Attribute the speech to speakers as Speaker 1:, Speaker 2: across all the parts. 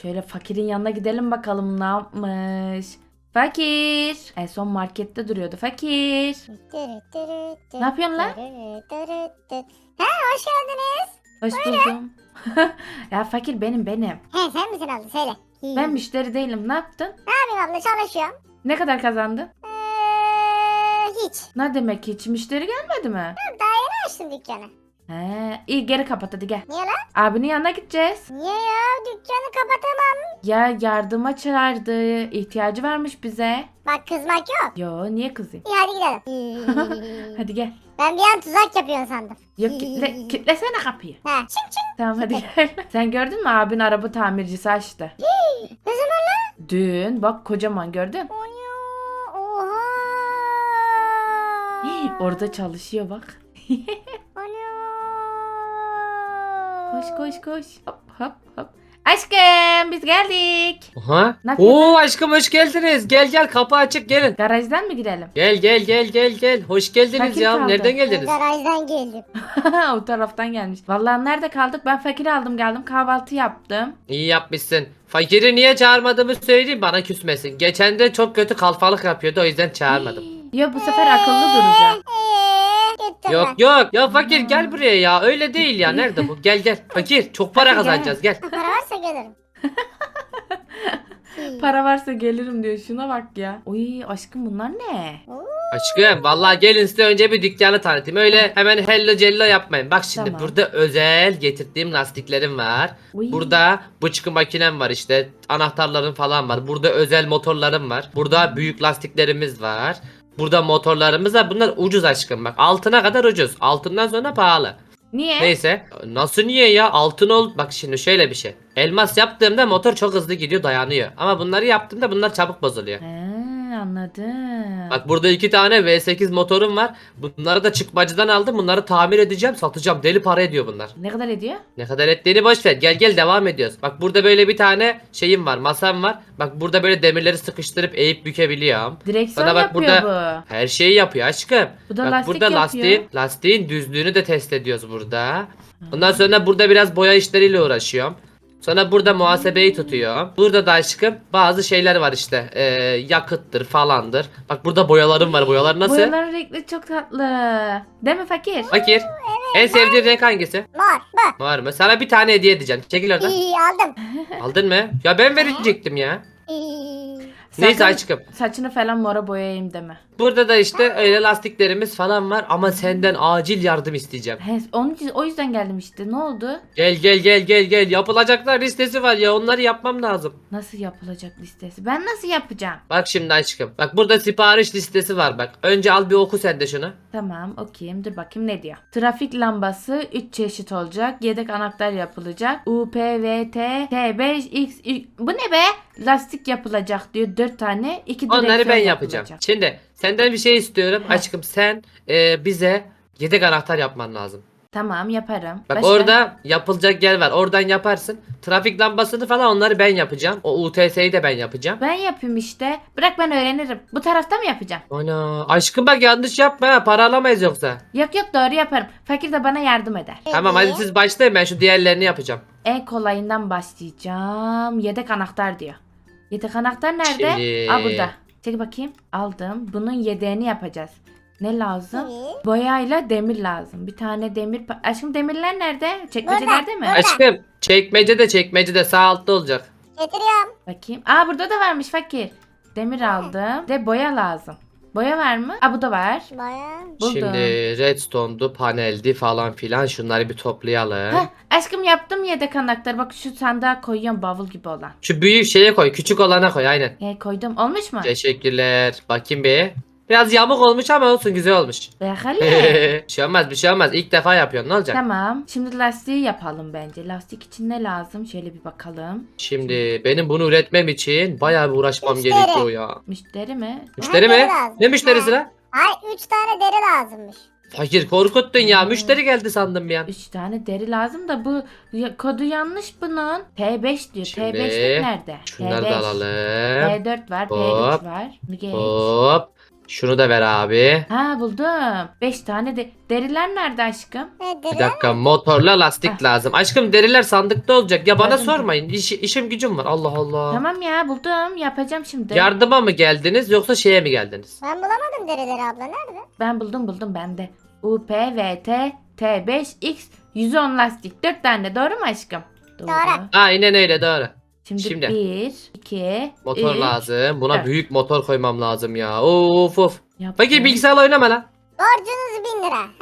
Speaker 1: Şöyle fakirin yanına gidelim bakalım ne yapmış. Fakir. En son markette duruyordu. Fakir. Ne yapıyorsun lan?
Speaker 2: Ha, hoş geldiniz.
Speaker 1: Hoş buldum. Ya fakir benim.
Speaker 2: He, sen misin abla, söyle.
Speaker 1: Ben müşteri değilim. Ne yaptın?
Speaker 2: Ne yapayım abla, çalışıyorum.
Speaker 1: Ne kadar kazandın?
Speaker 2: Hiç.
Speaker 1: Ne demek hiç? Müşteri gelmedi mi?
Speaker 2: Daha yeni açtım dükkanı.
Speaker 1: He, iyi geri kapat hadi gel.
Speaker 2: Niye lan?
Speaker 1: Abinin yanına gideceğiz.
Speaker 2: Niye ya? Dükkanı kapatamam.
Speaker 1: Ya yardıma çağırdı. İhtiyacı varmış bize.
Speaker 2: Bak, kızmak yok.
Speaker 1: Yo niye kızayım?
Speaker 2: İyi, hadi gidelim.
Speaker 1: Hadi gel.
Speaker 2: Ben bir an tuzak yapıyorsun sandım.
Speaker 1: Yok kitlesene kapıyı.
Speaker 2: Ha, çık çık.
Speaker 1: Tamam hadi gel. Sen gördün mü abin araba tamircisi açtı.
Speaker 2: Ne zaman lan?
Speaker 1: Dün bak kocaman gördün.
Speaker 2: Oha.
Speaker 1: Orada çalışıyor bak. Koş. Hop. Aşkım biz geldik.
Speaker 3: Aha.
Speaker 1: Ne yapıyorsun?
Speaker 3: Oo aşkım hoş geldiniz. Gel kapı açık gelin.
Speaker 1: Garajdan mı gidelim?
Speaker 3: Gel. Hoş geldiniz
Speaker 1: Fakir
Speaker 3: ya.
Speaker 1: kaldı.
Speaker 3: Nereden geldiniz?
Speaker 2: Garajdan geldim.
Speaker 1: O taraftan gelmiş. Vallahi nerede kaldık? Ben fakiri aldım geldim kahvaltı yaptım.
Speaker 3: İyi yapmışsın. Fakiri niye çağırmadığımı söyleyeyim bana küsmesin. Geçen de çok kötü kalfalık yapıyordu o yüzden çağırmadım.
Speaker 1: Ya bu sefer akıllı duracak.
Speaker 2: Gittim
Speaker 3: Yok
Speaker 2: ben.
Speaker 3: yok. Ya fakir gel buraya ya. Öyle değil ya. Nerede bu? Gel. Fakir çok para
Speaker 1: Hadi gel.
Speaker 3: kazanacağız gel.
Speaker 2: Para varsa gelirim.
Speaker 1: Para varsa gelirim diyor. Şuna bak ya. Oy aşkım bunlar ne?
Speaker 3: Aşkım vallahi gelin size önce bir dükkanı tanıtayım. Öyle hemen hello cello yapmayın. Bak şimdi
Speaker 1: Tamam.
Speaker 3: burada özel getirdiğim lastiklerim var.
Speaker 1: Uy.
Speaker 3: Burada bıçkı makinem var işte. Anahtarlarım falan var. Burada özel motorlarım var. Burada büyük lastiklerimiz var. Burada motorlarımız var. Bunlar ucuz aşkım bak. Altına kadar ucuz. Altından sonra pahalı.
Speaker 1: Niye?
Speaker 3: Neyse. Nasıl niye ya? Altın ol. Bak şimdi şöyle bir şey. Elmas yaptığımda motor çok hızlı gidiyor dayanıyor. Ama bunları yaptığımda bunlar çabuk bozuluyor.
Speaker 1: He, anladım.
Speaker 3: Bak burada 2 tane V8 motorum var. Bunları da çıkmacıdan aldım. Bunları tamir edeceğim, satacağım. Deli para ediyor bunlar.
Speaker 1: Ne kadar ediyor?
Speaker 3: Ne kadar ettiğini boş ver. Gel devam ediyoruz. Bak burada böyle bir tane şeyim var, masam var. Bak burada böyle demirleri sıkıştırıp eğip bükebiliyorum.
Speaker 1: Direksiyon
Speaker 3: Bana bak
Speaker 1: yapıyor
Speaker 3: burada her şeyi yapıyor aşkım.
Speaker 1: Bu da
Speaker 3: Bak
Speaker 1: lastik
Speaker 3: burada
Speaker 1: yapıyor.
Speaker 3: lastiğin düzlüğünü de test ediyoruz burada. Ondan sonra burada biraz boya işleriyle uğraşıyorum. Sonra burada muhasebeyi tutuyor. Burada da aşkım bazı şeyler var işte. Yakıttır falandır. Bak burada boyalarım var. Boyalar nasıl?
Speaker 1: Boyaların renkli çok tatlı. Değil mi fakir?
Speaker 3: Fakir. En sevdiğin renk hangisi?
Speaker 2: Mor. Bu.
Speaker 3: Var mı? Sana bir tane hediye edeceğim. Çekil oradan.
Speaker 2: İyi, aldım.
Speaker 3: Aldın mı? Ya ben verecektim ya. Neyse
Speaker 1: Sakın
Speaker 3: aşkım.
Speaker 1: saçını falan mora boyayayım deme.
Speaker 3: Burada da işte öyle lastiklerimiz falan var ama senden acil yardım isteyeceğim.
Speaker 1: He, o yüzden geldim işte. Ne oldu?
Speaker 3: Gel. Yapılacaklar listesi var ya onları yapmam lazım.
Speaker 1: Nasıl yapılacak listesi? Ben nasıl yapacağım?
Speaker 3: Bak şimdi aşkım. Bak burada sipariş listesi var bak. Önce al bir oku sen de şunu.
Speaker 1: Tamam okuyayım. Dur bakayım ne diyor. Trafik lambası 3 çeşit olacak. Yedek anahtar yapılacak. UPVT T5X bu ne be? Lastik yapılacak diyor. 4 tane. 2 direksiyon
Speaker 3: Onları ben yapacağım.
Speaker 1: yapılacak.
Speaker 3: Şimdi senden bir şey istiyorum.
Speaker 1: Heh.
Speaker 3: Aşkım sen bize yedek anahtar yapman lazım.
Speaker 1: Tamam yaparım.
Speaker 3: Bak
Speaker 1: Başka?
Speaker 3: orada yapılacak yer var. Oradan yaparsın. Trafik lambasını falan onları ben yapacağım. O UTS'yi de ben yapacağım.
Speaker 1: Ben yapayım işte. Bırak ben öğrenirim. Bu tarafta mı yapacağım?
Speaker 3: Ana aşkım bak yanlış yapma ha. Para alamayız yoksa.
Speaker 1: Yok doğru yaparım. Fakir de bana yardım eder.
Speaker 3: Tamam hadi siz başlayın ben şu diğerlerini yapacağım.
Speaker 1: En kolayından başlayacağım. Yedek anahtar diyor. Yedek anahtar nerede?
Speaker 3: Şimdi-
Speaker 1: Aa burada. Çek bakayım. Aldım. Bunun yedeğini yapacağız. Ne lazım?
Speaker 2: İyi.
Speaker 1: Boyayla demir lazım. Bir tane demir. Aşkım demirler nerede? Çekmecelerde mi?
Speaker 2: Burada.
Speaker 3: Aşkım çekmecede sağ altta olacak.
Speaker 2: Getiriyorum.
Speaker 1: Bakayım. Aa burada da varmış fakir. Demir aldım. De boya lazım. Boya var mı? Aa bu da var.
Speaker 2: Baya.
Speaker 1: Buldum.
Speaker 3: Şimdi redstone'du paneldi falan filan şunları bir toplayalım.
Speaker 1: Heh, aşkım yaptım yedek anahtarı. Bak şu sandığa koyuyorum bavul gibi olan.
Speaker 3: Şu büyük şeye koy küçük olana koy aynen.
Speaker 1: Koydum. Olmuş mu?
Speaker 3: Teşekkürler. Bakayım bir. Biraz yamuk olmuş ama olsun güzel olmuş.
Speaker 1: Bakalım.
Speaker 3: bir şey olmaz. İlk defa yapıyorsun ne olacak?
Speaker 1: Tamam. Şimdi lastiği yapalım bence. Lastik için ne lazım? Şöyle bir bakalım.
Speaker 3: Şimdi benim bunu üretmem için bayağı bir uğraşmam
Speaker 2: Müşteri.
Speaker 3: gerekiyor ya.
Speaker 1: Müşteri mi?
Speaker 3: Müşteri
Speaker 2: Deri
Speaker 3: mi?
Speaker 2: lazım.
Speaker 3: Ne müşterisi
Speaker 2: Ha.
Speaker 3: lan?
Speaker 2: Ay, 3 tane deri lazımmış.
Speaker 3: Fakir korkuttun ya. Müşteri geldi sandım bir an.
Speaker 1: 3 tane deri lazım da bu kodu yanlış bunun. T5 diyor.
Speaker 3: Şimdi
Speaker 1: T5'lik nerede?
Speaker 3: Şunları
Speaker 1: T5.
Speaker 3: da alalım.
Speaker 1: P4 var.
Speaker 3: Hop.
Speaker 1: P3 var. Bir geç.
Speaker 3: Hop. Şunu da ver abi.
Speaker 1: Ha buldum. 5 tane de deriler nerede aşkım?
Speaker 2: Ne
Speaker 3: Bir
Speaker 2: deri?
Speaker 3: dakika, motorla lastik lazım. Aşkım deriler sandıkta olacak. Ya bana
Speaker 1: Gördüm.
Speaker 3: sormayın. İşim gücüm var. Allah Allah.
Speaker 1: Tamam ya buldum. Yapacağım şimdi.
Speaker 3: Yardıma mı geldiniz yoksa şeye mi geldiniz?
Speaker 2: Ben bulamadım derileri abla. Nerede?
Speaker 1: Ben buldum bende. UPVT T5X 110 lastik. 4 tane doğru mu aşkım? Doğru.
Speaker 2: Doğru.
Speaker 3: Aynen öyle, doğru.
Speaker 1: Şimdi,
Speaker 3: Şimdi.
Speaker 1: 1, 2,
Speaker 3: Motor
Speaker 1: 3.
Speaker 3: lazım. Buna
Speaker 1: Evet.
Speaker 3: büyük motor koymam lazım ya. Of of.
Speaker 1: Yaptım.
Speaker 3: Fakir bilgisayarla oynama lan.
Speaker 2: Borcunuz 1000 lira.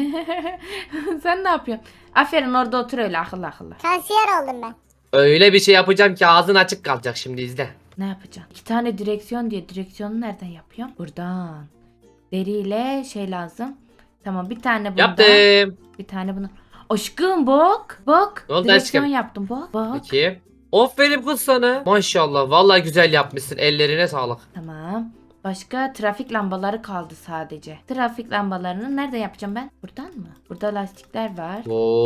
Speaker 1: Sen ne yapıyorsun? Aferin orada otur öyle akıllı akıllı.
Speaker 2: Kansiyer oldum ben.
Speaker 3: Öyle bir şey yapacağım ki ağzın açık kalacak, şimdi izle.
Speaker 1: Ne yapacaksın? 2 tane direksiyon diye direksiyonu nereden yapıyorum? Buradan. Deriyle şey lazım. Tamam bir tane bundan.
Speaker 3: Yaptım.
Speaker 1: Bir tane bunu. Aşkım bak. Bak.
Speaker 3: Ne oldu
Speaker 1: direksiyon
Speaker 3: aşkım?
Speaker 1: yaptım bak. Bak.
Speaker 3: Peki. Aferin kız sana. Maşallah. Vallahi güzel yapmışsın. Ellerine sağlık.
Speaker 1: Tamam. Başka trafik lambaları kaldı sadece. Trafik lambalarını nereden yapacağım ben? Buradan mı? Burada lastikler var.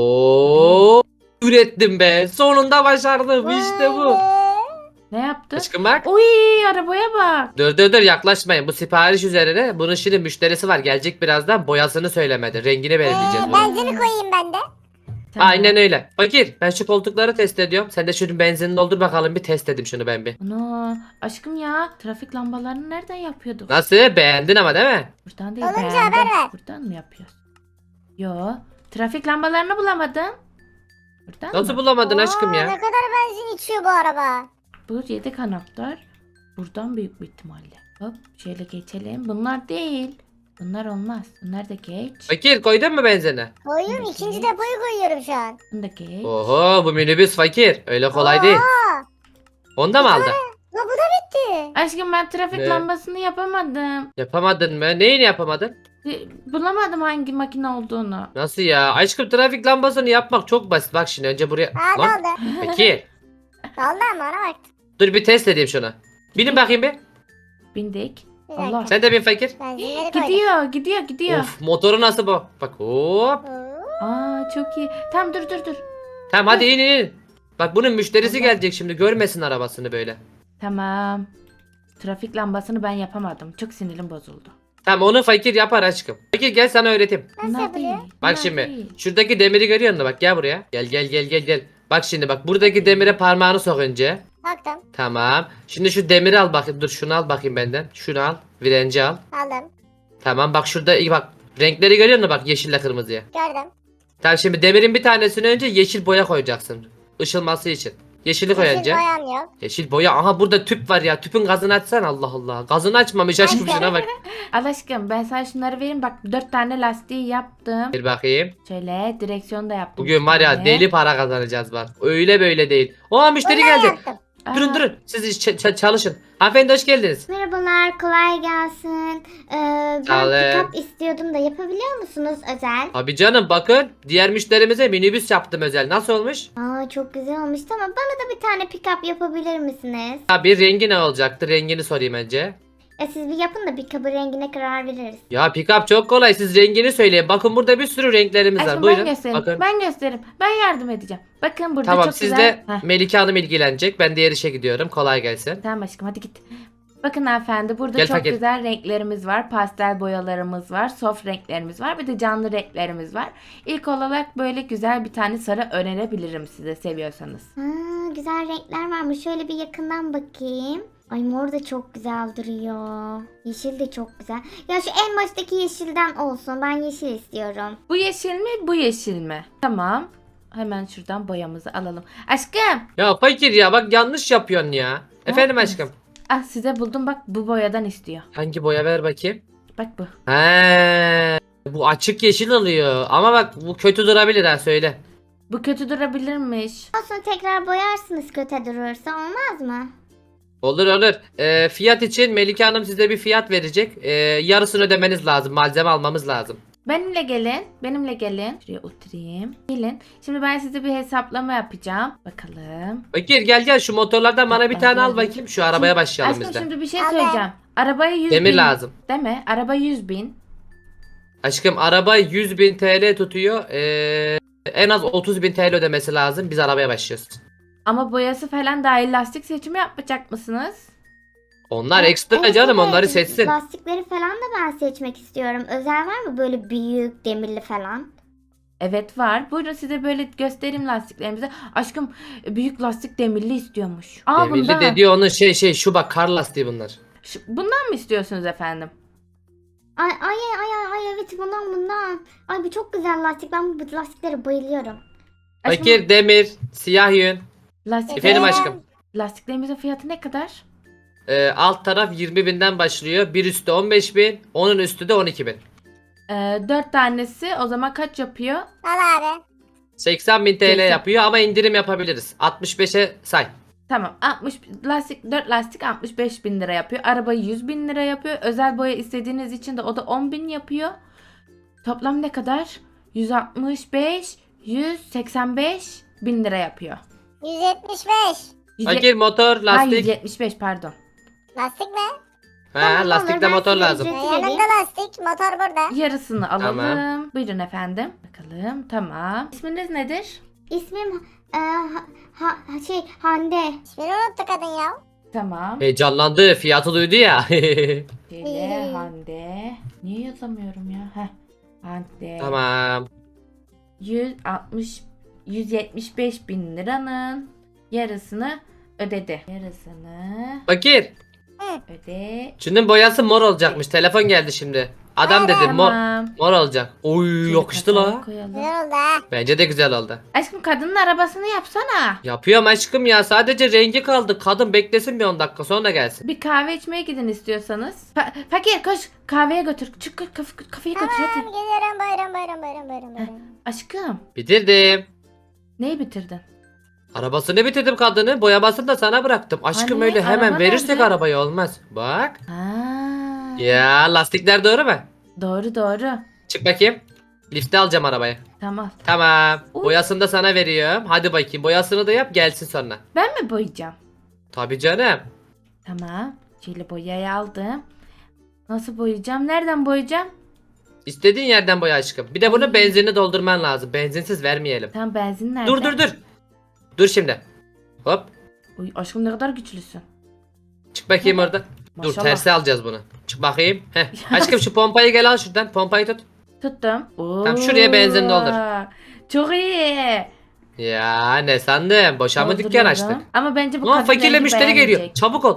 Speaker 3: Oo, ürettim be. Sonunda başardım. İşte bu.
Speaker 2: Vay be.
Speaker 1: Ne yaptı?
Speaker 3: Aşkım bak.
Speaker 1: Oy arabaya bak.
Speaker 3: Dur yaklaşmayın. Bu sipariş üzerine. Bunun şimdi müşterisi var. Gelecek birazdan. Boyasını söylemedi. Rengini belirleyeceğiz. bunun.
Speaker 2: Benzini koyayım ben de.
Speaker 1: Tamam.
Speaker 3: Aynen öyle. Fakir, ben şu koltukları test ediyorum. Sen de şunun benzinini doldur bakalım, bir test edeyim şunu ben bir.
Speaker 1: Ana aşkım ya trafik lambalarını nereden yapıyorduk?
Speaker 3: Nasıl? Beğendin ama değil mi?
Speaker 1: Buradan değil
Speaker 2: Olunca
Speaker 1: beğendim.
Speaker 2: haber ver.
Speaker 1: Buradan mı yapıyoruz? Yo trafik lambalarını bulamadım. Buradan
Speaker 3: Nasıl
Speaker 1: mı?
Speaker 3: bulamadın aşkım
Speaker 2: Ne
Speaker 3: ya?
Speaker 2: kadar benzin içiyor bu araba.
Speaker 1: Bu yedek anahtar. Buradan büyük bir ihtimalle. Hop şöyle geçelim. Bunlar değil. Bunlar olmaz. Bunlar da geç.
Speaker 3: Fakir, koydun mu benzini?
Speaker 2: Koyuyorum, ikinci depoyu koyuyorum şu an.
Speaker 1: Bunu da geç.
Speaker 3: Oho, bu minibüs fakir. Öyle kolay değil.
Speaker 2: Aa,
Speaker 3: Onu da mı aldın?
Speaker 2: bu da bitti.
Speaker 1: Aşkım ben trafik
Speaker 3: Ne?
Speaker 1: lambasını yapamadım.
Speaker 3: Yapamadın mı? Neyini yapamadın?
Speaker 1: Bulamadım hangi makine olduğunu.
Speaker 3: Nasıl ya? Aşkım, trafik lambasını yapmak çok basit. Bak şimdi önce buraya...
Speaker 2: Aa
Speaker 3: Lan
Speaker 2: doldu.
Speaker 3: Fakir.
Speaker 2: Doldu ama ona bak.
Speaker 3: Dur bir test edeyim şunu. Binin bakayım bir.
Speaker 1: Bindik.
Speaker 2: Bir dakika.
Speaker 1: Allah.
Speaker 3: Sen de bin fakir.
Speaker 2: Benzinleri koydum.
Speaker 1: Gidiyor.
Speaker 3: Of, motoru nasıl bu? Bak hop.
Speaker 2: Oo.
Speaker 1: Aa çok iyi. Tamam dur.
Speaker 3: Tamam hadi in. Bak bunun müşterisi gelecek şimdi, görmesin arabasını böyle.
Speaker 1: Tamam. Trafik lambasını ben yapamadım. Çok sinirim bozuldu.
Speaker 3: Tamam, onu fakir yapar aşkım. Fakir gel sana öğreteyim.
Speaker 2: Nasıl
Speaker 1: Bunlar
Speaker 2: yapılıyor?
Speaker 1: değil.
Speaker 3: Bak
Speaker 1: bunlar
Speaker 3: şimdi
Speaker 1: değil.
Speaker 3: şuradaki demiri görüyor musun? Bak gel buraya. Gel. Bak şimdi bak, buradaki demire parmağını sok önce.
Speaker 2: Baktım.
Speaker 3: Tamam. Şimdi şu demiri al bakayım. Dur şunu al bakayım benden. Şunu al. Virenci al.
Speaker 2: Aldım.
Speaker 3: Tamam bak şurada iyi bak. Renkleri görüyor musun? Bak yeşille kırmızıya.
Speaker 2: Gördüm.
Speaker 3: Tamam şimdi demirin bir tanesini önce yeşil boya koyacaksın. Işılması için. Yeşili koy
Speaker 2: Yeşil
Speaker 3: önce.
Speaker 2: boyam yok.
Speaker 3: Yeşil boya. Aha burada tüp var ya. Tüpün gazını açsan, Allah Allah. Gazını açmamış aşkım, şuna bak.
Speaker 1: Al aşkım ben sana şunları vereyim. Bak 4 tane lastiği yaptım.
Speaker 3: Bir bakayım.
Speaker 1: Şöyle direksiyonu da yaptım.
Speaker 3: Bugün
Speaker 1: bir
Speaker 3: var ya
Speaker 1: tane.
Speaker 3: deli para kazanacağız bak. Öyle böyle değil. Aa müşteri
Speaker 2: Bunları
Speaker 3: geldi.
Speaker 2: yaptım.
Speaker 1: Aa,
Speaker 3: Durun. Siz çalışın. Hanımefendi hoş geldiniz.
Speaker 4: Merhabalar, kolay gelsin. Ben
Speaker 3: Sağ olun.
Speaker 4: pick-up istiyordum da yapabiliyor musunuz özel?
Speaker 3: Abi canım bakın, diğer müşterimize minibüs yaptım özel. Nasıl olmuş?
Speaker 4: Aa çok güzel olmuş. Tamam, bana da bir tane pick-up yapabilir misiniz?
Speaker 3: Abi rengi ne olacaktı? Rengini sorayım önce.
Speaker 4: Siz bir yapın da pick-up'ın rengine karar veririz.
Speaker 3: Ya pick-up çok kolay. Siz rengini söyleyin. Bakın burada bir sürü renklerimiz var.
Speaker 1: Aşkım
Speaker 3: Buyurun.
Speaker 1: ben gösteririm.
Speaker 3: Bakın.
Speaker 1: Ben gösteririm. Ben yardım edeceğim. Bakın burada
Speaker 3: Tamam
Speaker 1: çok
Speaker 3: siz
Speaker 1: güzel.
Speaker 3: de
Speaker 1: Heh,
Speaker 3: Melike Hanım ilgilenecek. Ben diğer işe gidiyorum. Kolay gelsin.
Speaker 1: tamam aşkım hadi git. Bakın hanımefendi burada
Speaker 3: Gel
Speaker 1: çok
Speaker 3: fakir.
Speaker 1: güzel renklerimiz var. Pastel boyalarımız var. Soft renklerimiz var. Bir de canlı renklerimiz var. İlk olarak böyle güzel bir tane sarı önerebilirim size seviyorsanız.
Speaker 4: Güzel renkler varmış. Şöyle bir yakından bakayım. Ay mor da çok güzel duruyor. Yeşil de çok güzel. Ya şu en baştaki yeşilden olsun. Ben yeşil istiyorum.
Speaker 1: Bu yeşil mi? Bu yeşil mi? Tamam. Hemen şuradan boyamızı alalım. Aşkım.
Speaker 3: Ya fakir ya, bak yanlış yapıyorsun ya. Efendim
Speaker 1: yaptınız?
Speaker 3: aşkım.
Speaker 1: Ah size buldum bak bu boyadan istiyor.
Speaker 3: Hangi boya, ver bakayım.
Speaker 1: Bak bu.
Speaker 3: He, bu açık yeşil oluyor. Ama bak bu kötü durabilir ha, söyle.
Speaker 1: Bu kötü durabilirmiş.
Speaker 4: Olsun, tekrar boyarsınız kötü durursa, olmaz mı?
Speaker 3: Olur. Fiyat için Melike Hanım size bir fiyat verecek. Yarısını ödemeniz lazım. Malzeme almamız lazım.
Speaker 1: Benimle gelin. Benimle gelin. Şuraya oturayım. Gelin. Şimdi ben size bir hesaplama yapacağım. Bakalım.
Speaker 3: Fakir gel şu motorlardan bana bir tane al bakayım. Şu arabaya başlayalım
Speaker 1: Aşkım
Speaker 3: biz de.
Speaker 1: şimdi bir şey
Speaker 2: Aldım.
Speaker 1: söyleyeceğim. Arabaya 100
Speaker 3: Demir
Speaker 1: bin.
Speaker 3: lazım.
Speaker 1: Değil mi? Araba 100 bin.
Speaker 3: Aşkım araba 100.000 TL tutuyor. En az 30.000 TL ödemesi lazım. Biz arabaya başlıyoruz.
Speaker 1: Ama boyası falan dahil lastik seçimi yapmayacak mısınız?
Speaker 3: Onlar ekstra canım,
Speaker 4: Evet,
Speaker 3: onları seçsin.
Speaker 4: Lastikleri falan da ben seçmek istiyorum. Özel var mı böyle büyük demirli falan?
Speaker 1: Evet var. Buyurun size böyle göstereyim lastiklerimizi. Aşkım büyük lastik demirli istiyormuş. Aa
Speaker 3: Demirli
Speaker 1: bundan.
Speaker 3: dediği onun şu bak, kar lastiği bunlar.
Speaker 1: Bundan mı istiyorsunuz efendim?
Speaker 4: Ay evet bundan. Ay bu çok güzel lastik. Ben bu lastiklere bayılıyorum.
Speaker 1: Aşkım,
Speaker 3: Fakir, demir, siyah yün.
Speaker 1: lastiklerimizin
Speaker 3: Efendim aşkım.
Speaker 1: fiyatı ne kadar?
Speaker 3: Alt taraf 20.000'den başlıyor. Bir üstü 15.000. Onun üstü de 12.000.
Speaker 1: 4 tanesi o zaman kaç yapıyor?
Speaker 2: Al abi.
Speaker 3: 80.000 TL
Speaker 1: 80.
Speaker 3: yapıyor ama indirim yapabiliriz. 65'e say.
Speaker 1: Tamam 60 lastik 4 lastik 65 bin lira yapıyor. Arabayı 100 bin lira yapıyor. Özel boya istediğiniz için de o da 10 bin yapıyor. Toplam ne kadar? 165 185 bin lira yapıyor.
Speaker 2: 175.
Speaker 3: Fakir, motor,
Speaker 1: Ha,
Speaker 3: lastik.
Speaker 1: 175 pardon.
Speaker 2: Lastik mi?
Speaker 4: Tamam,
Speaker 3: Lastikte
Speaker 4: olur, ben
Speaker 3: motor
Speaker 4: size
Speaker 3: lazım.
Speaker 4: ücret-
Speaker 2: Yanımda lastik. Motor burada.
Speaker 1: Yarısını alalım.
Speaker 3: Tamam.
Speaker 1: Buyurun efendim. Bakalım tamam. İsminiz nedir?
Speaker 4: İsmim Hande.
Speaker 2: İsmini unuttu kadın ya.
Speaker 1: Tamam.
Speaker 3: Heyecanlandı. Fiyatı duydu ya.
Speaker 1: Şöyle Hande. Niye yazamıyorum ya? Heh. Hande.
Speaker 3: Tamam.
Speaker 1: 175 bin liranın yarısını ödedi. Yarısını
Speaker 3: Fakir.
Speaker 1: öde.
Speaker 3: Şunun boyası mor olacakmış. Telefon geldi şimdi. Adam dedi mor,
Speaker 1: Tamam.
Speaker 3: mor olacak. Oy,
Speaker 1: Şöyle
Speaker 3: yakıştı
Speaker 1: kasaya
Speaker 3: la.
Speaker 1: koyalım.
Speaker 2: Güzel oldu ha.
Speaker 3: Bence de güzel oldu.
Speaker 1: Aşkım kadının arabasını yapsana.
Speaker 3: Yapıyorum aşkım ya. Sadece rengi kaldı. Kadın beklesin bir 10 dakika sonra gelsin.
Speaker 1: Bir kahve içmeye gidin istiyorsanız. Fakir koş kahveye götür. Çık kafeye götür
Speaker 2: Tamam
Speaker 1: hadi.
Speaker 2: geliyorum. Buyurun.
Speaker 1: Aşkım
Speaker 3: Bitirdim.
Speaker 1: neyi bitirdin?
Speaker 3: Arabasını bitirdim kadını. Boyamasını da sana bıraktım. Aşkım
Speaker 1: Hani,
Speaker 3: öyle hemen
Speaker 1: araba
Speaker 3: verirsek
Speaker 1: nerede?
Speaker 3: arabayı olmaz. Bak.
Speaker 1: Ha.
Speaker 3: Ya lastikler doğru mu?
Speaker 1: Doğru.
Speaker 3: Çık bakayım. Lifte alacağım arabayı.
Speaker 1: Tamam.
Speaker 3: Tamam.
Speaker 1: Uy.
Speaker 3: Boyasını da sana veriyorum. Hadi bakayım. Boyasını da yap, gelsin sonra.
Speaker 1: Ben mi boyayacağım?
Speaker 3: Tabii canım.
Speaker 1: Tamam. Şöyle boyayı aldım. Nasıl boyayacağım? Nereden boyayacağım?
Speaker 3: İstediğin yerden boya aşkım. Bir de bunu benzinini doldurman lazım. Benzinsiz vermeyelim.
Speaker 1: Tam benzin nerede?
Speaker 3: Dur. Dur şimdi. Hop.
Speaker 1: Uy, aşkım ne kadar güçlüsün.
Speaker 3: Çık bakayım orada. Dur,
Speaker 1: Maşallah.
Speaker 3: tersi alacağız bunu. Çık bakayım. Heh. Aşkım şu pompayı gel al şuradan. Pompayı tut.
Speaker 1: Tuttum.
Speaker 3: Tamam, şuraya benzin doldur.
Speaker 1: Çok iyi.
Speaker 3: Ya ne sandın? Boşa mı dükkan
Speaker 1: Dolduruyorum.
Speaker 3: açtık?
Speaker 1: Ama bence bu
Speaker 3: Lan
Speaker 1: kadın
Speaker 3: fakirle
Speaker 1: rengi
Speaker 3: müşteri geliyor.
Speaker 1: beğenmeyecek.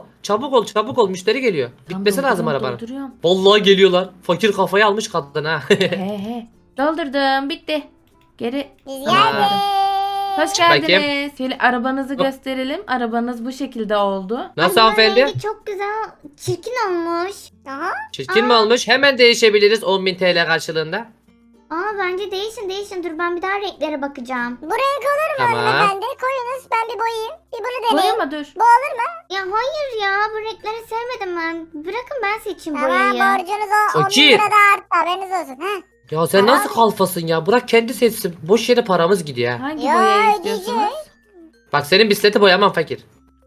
Speaker 3: Çabuk ol. Müşteri geliyor. Bitmesi lazım arabanın.
Speaker 1: Dolduruyorum.
Speaker 3: Vallahi geliyorlar. Fakir kafayı almış kadın ha.
Speaker 1: He. Doldurdum. Bitti. Geri.
Speaker 2: Biz
Speaker 3: Tamam.
Speaker 2: geldik.
Speaker 1: Hoş
Speaker 3: bakayım.
Speaker 1: geldiniz. Şöyle arabanızı gösterelim. Arabanız bu şekilde oldu.
Speaker 3: Nasıl
Speaker 4: Ay,
Speaker 3: hanımefendi?
Speaker 4: rengi çok güzel. Çirkin olmuş.
Speaker 2: Aha.
Speaker 3: Çirkin mi olmuş? Hemen değişebiliriz 10.000 TL karşılığında.
Speaker 4: Bence değişin. Dur ben bir daha renklere bakacağım.
Speaker 2: Bu renk olur mu
Speaker 3: Tamam.
Speaker 2: hanımefendi? Koyunuz ben bir boyayayım. Bir bunu deneyeyim.
Speaker 1: Boyama dur.
Speaker 2: Bu olur mu?
Speaker 4: Ya hayır ya bu renkleri sevmedim ben. Bırakın ben seçeyim
Speaker 2: Tamam
Speaker 4: boyayı.
Speaker 2: borcunuz o 10 bin
Speaker 3: Fakir.
Speaker 2: lira da arttı haberiniz olsun. Heh.
Speaker 3: Ya sen nasıl kalfasın ya? Bırak kendi seçsin. Boş yere paramız gidiyor ha.
Speaker 1: Hangi
Speaker 2: Ya,
Speaker 1: boyayı
Speaker 2: ödeyeceğiz.
Speaker 1: istiyorsunuz?
Speaker 3: Bak senin bisikleti boyamam fakir.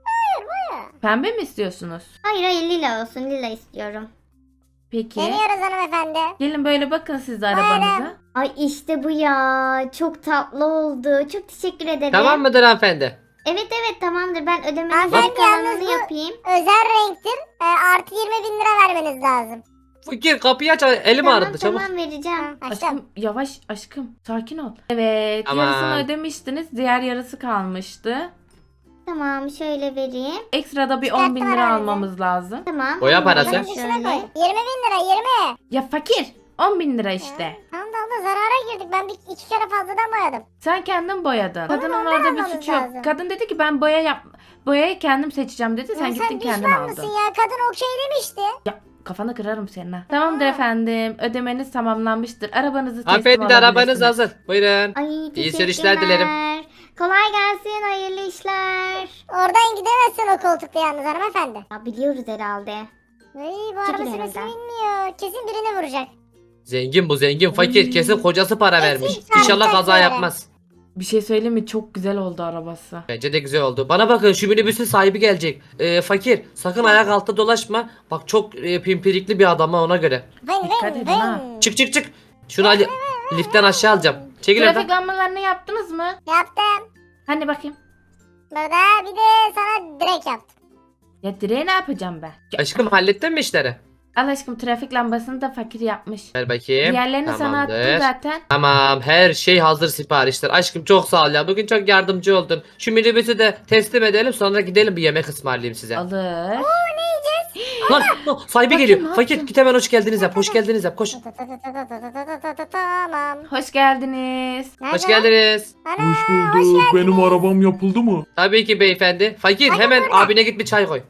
Speaker 1: Pembe mi istiyorsunuz?
Speaker 4: Hayır lila olsun lila istiyorum.
Speaker 1: Peki.
Speaker 2: Deniyoruz hanımefendi.
Speaker 1: Gelin böyle bakın siz de arabanıza.
Speaker 4: Ay işte bu ya. Çok tatlı oldu. Çok teşekkür ederim.
Speaker 3: Tamam mıdır hanımefendi?
Speaker 4: Evet tamamdır. Ben ödemenin
Speaker 2: Hanımefendi,
Speaker 4: kalanını
Speaker 2: yalnız bu-
Speaker 4: yapayım.
Speaker 2: Özel renktir. Artı 20 bin lira vermeniz lazım.
Speaker 3: Fakir kapıyı aç, elim ağrıdı çabuk.
Speaker 4: Tamam vereceğim.
Speaker 2: Açtım.
Speaker 1: Aşkım yavaş aşkım sakin ol. Evet
Speaker 3: Tamam.
Speaker 1: yarısını ödemiştiniz diğer yarısı kalmıştı.
Speaker 4: Tamam şöyle vereyim.
Speaker 1: Ekstra bir
Speaker 2: Çıkarttım
Speaker 1: 10 bin lira
Speaker 2: aranızı.
Speaker 1: almamız lazım.
Speaker 4: Tamam.
Speaker 3: Boya
Speaker 4: onu
Speaker 3: parası.
Speaker 4: alayım
Speaker 2: Bunun içine
Speaker 4: şöyle.
Speaker 2: koy. 20 bin lira 20.
Speaker 1: Ya fakir 10 bin lira işte.
Speaker 2: Tamam da abla zarara girdik. Ben iki kere fazladan boyadım.
Speaker 1: Sen kendin boyadın. Kadının
Speaker 2: ondan
Speaker 1: orada bir
Speaker 2: almamız
Speaker 1: suçu yok.
Speaker 2: lazım.
Speaker 1: Kadın dedi ki ben boyayı kendim seçeceğim dedi. Sen
Speaker 2: Ya
Speaker 1: gittin kendin
Speaker 2: düşman
Speaker 1: aldın.
Speaker 2: mısın ya? Kadın okey demişti.
Speaker 1: Ya kafanı kırarım senin ha. Tamamdır efendim. Ödemeniz tamamlanmıştır. Arabanızı teslim
Speaker 3: Hanımefendi arabanız
Speaker 1: alabilirsiniz.
Speaker 3: hazır. Buyurun.
Speaker 4: Ay
Speaker 3: İyi
Speaker 4: teşekkürler.
Speaker 3: sürüşler dilerim.
Speaker 4: Kolay gelsin hayırlı işler.
Speaker 2: Oradan gidemezsin o koltukta yalnız hanımefendi.
Speaker 4: Ya biliyoruz herhalde.
Speaker 2: Ay bu araba
Speaker 4: Çekil
Speaker 2: süresi
Speaker 4: önümden.
Speaker 2: bilmiyor. Kesin birini vuracak.
Speaker 3: Zengin bu zengin. Fakir
Speaker 1: Oy.
Speaker 3: kesin kocası para vermiş.
Speaker 2: Kesin
Speaker 3: İnşallah
Speaker 2: çarpacak
Speaker 3: kaza
Speaker 2: böyle.
Speaker 3: yapmaz.
Speaker 1: Bir şey söyleyeyim mi? Çok güzel oldu arabası.
Speaker 3: Bence de güzel oldu. Bana bakın şu minibüsün sahibi gelecek. Fakir sakın ayak altta dolaşma. Bak çok pimpirikli bir adam ha, ona göre.
Speaker 1: Dikkat edin ha.
Speaker 3: Çık. Şunu hadi liftten aşağı alacağım. Çekil
Speaker 1: Trafik
Speaker 3: oradan.
Speaker 1: lambalarını yaptınız mı?
Speaker 2: Yaptım.
Speaker 1: Hani bakayım.
Speaker 2: Burada bir de sana direkt yaptım.
Speaker 1: Ya direği ne yapacağım ben? Ya,
Speaker 3: Aşkım hallettin mi işleri?
Speaker 1: al aşkım, trafik lambasını da fakir yapmış.
Speaker 3: Ver bakayım.
Speaker 1: Diğerlerini sana attım
Speaker 3: Tamamdır.
Speaker 1: zaten.
Speaker 3: Tamam, her şey hazır siparişler. Aşkım çok sağ ol ya. Bugün çok yardımcı oldun. Şu minibüsü de teslim edelim, sonra gidelim bir yemek ısmarlayayım size.
Speaker 1: Alır.
Speaker 3: Lan sahibi
Speaker 1: Fakir,
Speaker 3: geliyor.
Speaker 1: ne
Speaker 3: Fakir
Speaker 1: yaptın?
Speaker 3: git hemen hoş geldiniz yap. Hoş geldiniz yap. Koş.
Speaker 2: Tamam.
Speaker 1: Hoş geldiniz.
Speaker 3: Hoş geldiniz.
Speaker 2: Ana,
Speaker 5: Hoş bulduk. Benim arabam yapıldı mı?
Speaker 3: Tabii ki beyefendi. Fakir hemen abine git bir çay koy.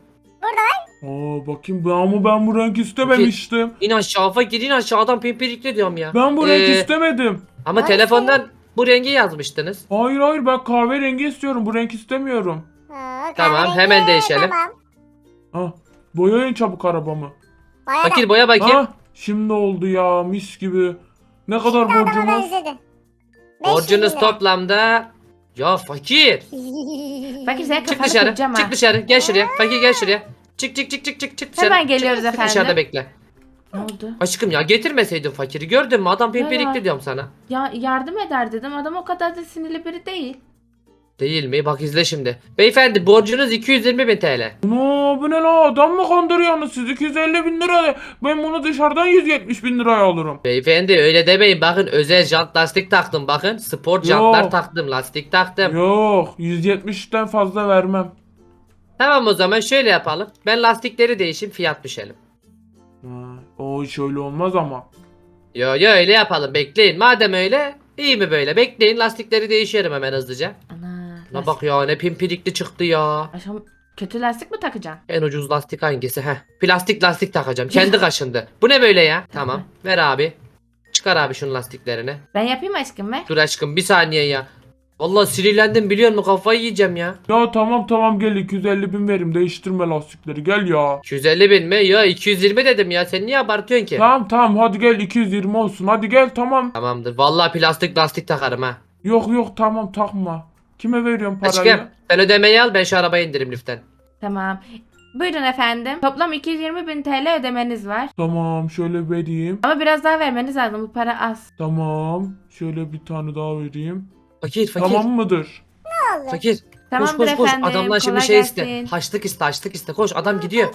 Speaker 5: Bakayım ama ben bu renk istememiştim.
Speaker 3: İn aşağı fakir, in aşağı, adam pimpirikli diyorum ya.
Speaker 5: Ben bu renk
Speaker 3: Ee,
Speaker 5: istemedim.
Speaker 3: Ama telefondan bu rengi yazmıştınız.
Speaker 5: Hayır ben kahverengi istiyorum. Bu renk istemiyorum.
Speaker 3: Tamam, hemen değişelim.
Speaker 2: Tamam.
Speaker 5: Boyayın çabuk arabamı.
Speaker 2: Bayağı
Speaker 3: Fakir boya bakayım.
Speaker 5: Şimdi oldu ya mis gibi. Ne kadar
Speaker 2: adama
Speaker 5: borcumuz?
Speaker 2: benzedi. 500
Speaker 3: Borcunuz
Speaker 2: lira.
Speaker 3: toplamda... Ya fakir.
Speaker 1: Fakir sen
Speaker 3: Çık
Speaker 1: kafanı
Speaker 3: dışarı.
Speaker 1: kıracağım ha.
Speaker 3: Çık dışarı. Gel şuraya. Fakir gel şuraya. Çık dışarı.
Speaker 1: Hemen geliyoruz
Speaker 3: Çık,
Speaker 1: efendim.
Speaker 3: Dışarıda bekle.
Speaker 1: Ne oldu?
Speaker 3: Aşkım ya getirmeseydin fakiri. Gördün mü? Adam
Speaker 1: Ya.
Speaker 3: pimpirikli diyorum sana.
Speaker 1: Ya yardım eder dedim. Adam o kadar da sinirli biri değil.
Speaker 3: Değil mi? Bak izle şimdi. Beyefendi borcunuz 220.000 TL.
Speaker 5: Bu ne la adam mı kandırıyorsunuz siz 250 bin lira. Ben bunu dışarıdan 170 bin liraya alırım.
Speaker 3: Beyefendi öyle demeyin. Bakın özel jant lastik taktım. Bakın spor jantlar
Speaker 5: Yok.
Speaker 3: taktım. Lastik taktım.
Speaker 5: Yok 170'ten fazla vermem.
Speaker 3: Tamam o zaman şöyle yapalım. Ben lastikleri değişim, fiyat düşelim.
Speaker 5: O hiç öyle olmaz ama.
Speaker 3: Yo öyle yapalım. Bekleyin. Madem öyle iyi mi böyle? Bekleyin, lastikleri değişiyorum hemen hızlıca.
Speaker 1: Ana.
Speaker 3: La bak ya, ne pimpirikli çıktı ya.
Speaker 1: Aşkım kötü lastik mi takacaksın?
Speaker 3: En ucuz lastik hangisi? Heh. Plastik lastik takacağım. Kendi kaşındı. Bu ne böyle ya? Tamam. Ver abi. Çıkar abi şunun lastiklerini.
Speaker 1: Ben yapayım aşkım be.
Speaker 3: Dur aşkım bir saniye ya. Vallahi sinirlendim biliyor musun? Kafayı yiyeceğim ya.
Speaker 5: Ya tamam gel 250 bin verim değiştirme lastikleri gel ya.
Speaker 3: 250.000 mi? Ya 220 dedim ya. Sen niye abartıyorsun ki?
Speaker 5: Tamam hadi gel 220 olsun hadi gel tamam.
Speaker 3: Tamamdır. Vallahi plastik lastik takarım ha.
Speaker 5: Yok tamam takma. Kime veriyorum parayı?
Speaker 3: Aşkım sen ödemeyi al, ben şu arabaya indirim lütfen.
Speaker 1: Tamam. Buyurun efendim. Toplam 220.000 TL ödemeniz var.
Speaker 5: Tamam şöyle vereyim.
Speaker 1: Ama biraz daha vermeniz lazım. Bu para az.
Speaker 5: Tamam şöyle bir tane daha vereyim.
Speaker 3: Fakir.
Speaker 5: Tamam mıdır?
Speaker 3: Fakir.
Speaker 1: Tamamdır
Speaker 3: koş
Speaker 1: efendim.
Speaker 3: adamdan şimdi
Speaker 1: kolay
Speaker 3: şey
Speaker 1: gelsin.
Speaker 3: iste. Haçlık iste. Koş adam gidiyor.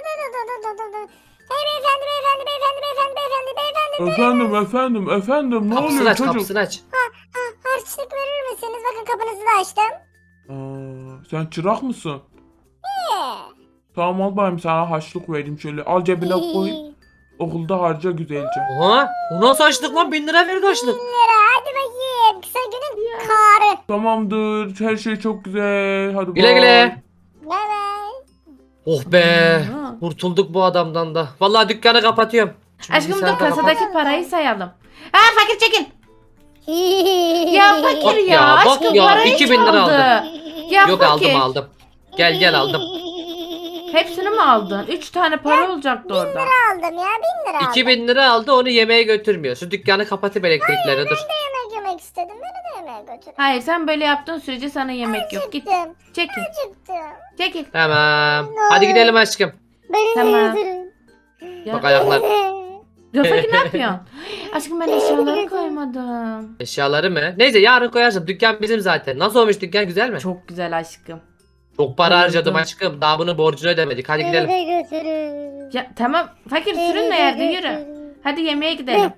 Speaker 5: Efendim ne
Speaker 3: Kapısını
Speaker 5: oluyor
Speaker 3: aç,
Speaker 5: çocuk?
Speaker 3: kapısını aç.
Speaker 2: Harçlık verir misiniz? Bakın kapınızı da açtım.
Speaker 5: Sen çırak mısın? Tamam al bakayım sana haçlık vereyim şöyle al cebine koy. Okulda harca güzelce.
Speaker 3: Oha. O nasıl açlık lan? 1000 lira verdi açlık.
Speaker 2: Lira hadi bakayım. Kısa günün karı.
Speaker 5: Tamamdır her şey çok güzel. Hadi
Speaker 3: Güle
Speaker 5: bye.
Speaker 3: güle.
Speaker 2: Evet.
Speaker 3: Oh be.
Speaker 1: Aa.
Speaker 3: Kurtulduk bu adamdan da. Vallahi dükkanı kapatıyorum. Şimdi
Speaker 1: Aşkım dur
Speaker 3: bilgisayarda
Speaker 1: kasadaki
Speaker 3: kapat.
Speaker 1: parayı sayalım. Ha fakir çekin. Ya fakir
Speaker 3: Bak
Speaker 1: ya.
Speaker 3: ya, bak
Speaker 1: Aşkım
Speaker 3: ya,
Speaker 1: parayı
Speaker 3: 2000 lira
Speaker 1: çaldı.
Speaker 3: aldı.
Speaker 1: Ya
Speaker 3: Yok
Speaker 1: fakir.
Speaker 3: aldım. Gel aldım.
Speaker 1: Hepsini mi aldın? 3 tane para olacaktı orada.
Speaker 2: Aldım ya 1000 lira aldım.
Speaker 3: 2000 lira aldı, onu yemeğe götürmüyor. Şu dükkanı kapatıp elektrikleri dur.
Speaker 2: Yemek yemek istedim. Beni de yemeğe götürün.
Speaker 1: Hayır sen böyle yaptığın sürece sana yemek yok. Git
Speaker 2: Acıktım.
Speaker 1: çekil.
Speaker 2: Acıktım.
Speaker 1: Çekil.
Speaker 3: Tamam. Hadi gidelim aşkım.
Speaker 2: Beni
Speaker 1: Tamam.
Speaker 2: de götürün.
Speaker 1: Ya,
Speaker 3: Bak ayaklar.
Speaker 1: ya fakir ne yapıyorsun? Aşkım ben eşyaları koymadım.
Speaker 3: Eşyaları mı? Neyse yarın koyarsın. Dükkan bizim zaten. Nasıl olmuş dükkan, güzel mi?
Speaker 1: Çok güzel aşkım.
Speaker 3: Çok para
Speaker 1: Koydum.
Speaker 3: harcadım aşkım. Daha bunun borcunu ödemedik. Hadi
Speaker 2: Beni
Speaker 3: gidelim.
Speaker 2: de götürün.
Speaker 1: Ya tamam fakir sürünme yerde yürü. Hadi yemeğe gidelim.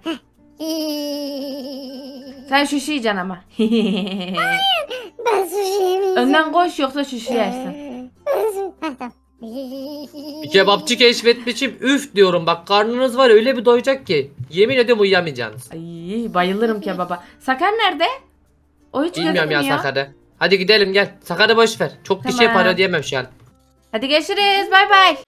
Speaker 1: Sen şuşu yiyeceksin ama.
Speaker 2: Ben sushi yemeyeceğim.
Speaker 1: Önden koş yoksa şuşu yersin.
Speaker 3: Bir kebapçı keşfetmişim. Üf diyorum bak, karnınız var ya, öyle bir doyacak ki. Yemin ediyorum uyuyamayacaksınız.
Speaker 1: Ay bayılırım kebaba. Sakar nerede? O hiç
Speaker 3: Bilmiyorum ya
Speaker 1: gözükmüyor.
Speaker 3: Sakar'ı. Hadi gidelim gel. Sakar'ı boş ver. Çok kişiye
Speaker 1: Tamam.
Speaker 3: para ödeyemem şu an.
Speaker 1: Hadi görüşürüz. Bay bay.